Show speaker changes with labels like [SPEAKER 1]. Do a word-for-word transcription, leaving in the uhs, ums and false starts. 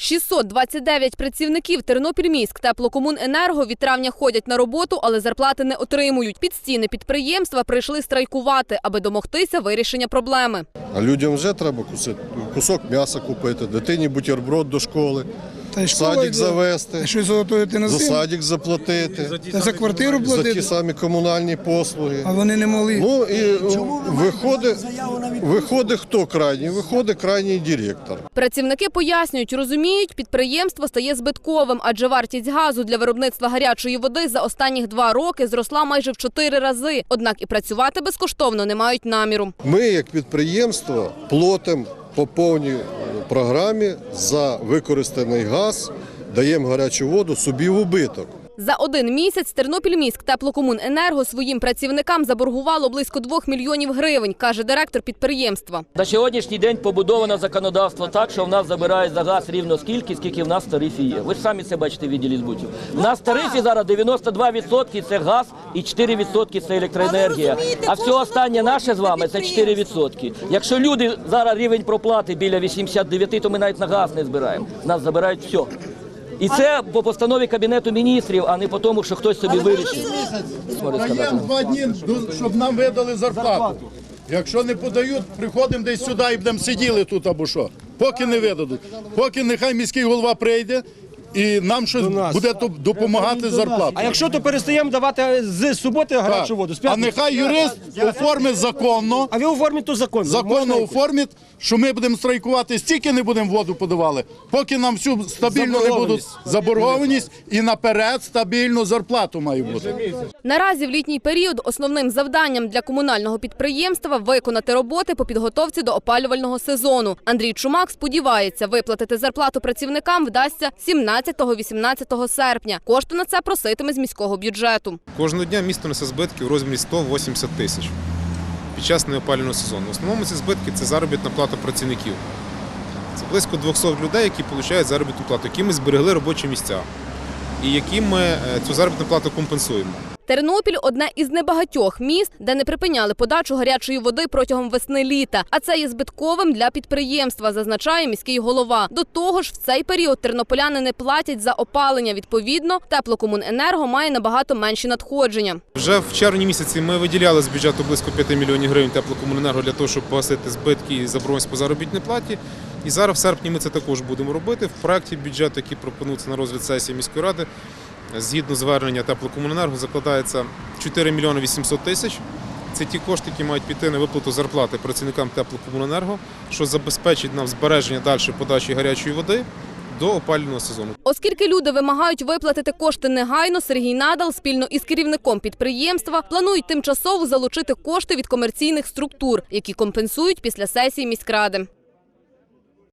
[SPEAKER 1] шістсот двадцять дев'ять працівників Тернопільміськ теплокомуненерго від травня ходять на роботу, але зарплати не отримують. Під стіни підприємства прийшли страйкувати, аби домогтися вирішення проблеми.
[SPEAKER 2] А людям вже треба кусок м'яса купити, дитині бутерброд до школи,
[SPEAKER 3] Та
[SPEAKER 2] садик завести,
[SPEAKER 3] що заготовити на
[SPEAKER 2] за
[SPEAKER 3] зиму?
[SPEAKER 2] садик заплатити,
[SPEAKER 3] Та за квартиру
[SPEAKER 2] за ті
[SPEAKER 3] платити,
[SPEAKER 2] самі комунальні послуги.
[SPEAKER 3] а вони не могли.
[SPEAKER 2] Ну і виходить, виходить хто крайній? Виходить крайній директор.
[SPEAKER 1] Працівники пояснюють, розуміють, підприємство стає збитковим, адже вартість газу для виробництва гарячої води за останніх два роки зросла майже в чотири рази. Однак і працювати безкоштовно не мають наміру.
[SPEAKER 2] Ми, як підприємство, платимо по повній програмі за використаний газ, даємо гарячу воду собі в убиток.
[SPEAKER 1] За один місяць Тернопільміськ теплокомуненерго своїм працівникам заборгувало близько двох мільйонів гривень, каже директор підприємства.
[SPEAKER 4] На сьогоднішній день побудовано законодавство так, що в нас забирають за газ рівно скільки, скільки в нас в тарифі є. Ви ж самі це бачите в відділі збутів. В нас в тарифі зараз дев'яносто два відсотки – це газ і чотири відсотки – це електроенергія. А все останнє наше з вами – це чотири відсотки. Якщо люди зараз рівень проплати біля вісімдесят дев'ять, то ми навіть на газ не збираємо. Нас забирають все. І це по постанові Кабінету міністрів, а не по тому, що хтось собі вирішив.
[SPEAKER 5] Даємо два дні, щоб нам видали зарплату. Якщо не подають, приходимо десь сюди і будемо сиділи тут або що. Поки не видадуть. Поки нехай міський голова прийде і нам щось буде допомагати з зарплатою.
[SPEAKER 6] А якщо то перестаємо давати з суботи гарячу воду, з
[SPEAKER 5] А
[SPEAKER 6] п'ятниці?
[SPEAKER 5] нехай юрист оформить законно,
[SPEAKER 6] А ви оформіть то законно.
[SPEAKER 5] законно оформить, що ми будемо страйкувати, стільки не будемо воду подавали, поки нам всю стабільно не будуть заборгованість і наперед стабільну зарплату має бути.
[SPEAKER 1] Наразі в літній період основним завданням для комунального підприємства – виконати роботи по підготовці до опалювального сезону. Андрій Чумак сподівається, виплатити зарплату працівникам вдасться сімнадцятого-вісімнадцятого серпня. Кошти на це проситиме з міського бюджету.
[SPEAKER 7] Кожного дня місто несе збитки у розмірі сто вісімдесят тисяч під час неопалювального сезону. В основному ці збитки – це заробітна плата працівників. Це близько двохсот людей, які отримують заробітну плату, які ми зберегли робочі місця і яким ми цю заробітну плату компенсуємо.
[SPEAKER 1] Тернопіль – одне із небагатьох міст, де не припиняли подачу гарячої води протягом весни-літа. А це є збитковим для підприємства, зазначає міський голова. До того ж, в цей період тернополяни не платять за опалення. Відповідно, теплокомуненерго має набагато менші надходження.
[SPEAKER 7] Вже в червні місяці ми виділяли з бюджету близько п'яти мільйонів гривень теплокомуненерго для того, щоб погасити збитки і заборгованість по заробітній платі. І зараз в серпні ми це також будемо робити. В проєкті бюджету, який пропонується на розгляд сесії міської ради, згідно звернення теплокомуненерго, закладається чотири мільйони вісімсот тисяч. Це ті кошти, які мають піти на виплату зарплати працівникам теплокомуненерго, що забезпечить нам збереження далі подачі гарячої води до опалювального сезону.
[SPEAKER 1] Оскільки люди вимагають виплатити кошти негайно, Сергій Надал спільно із керівником підприємства планують тимчасово залучити кошти від комерційних структур, які компенсують після сесії міськради.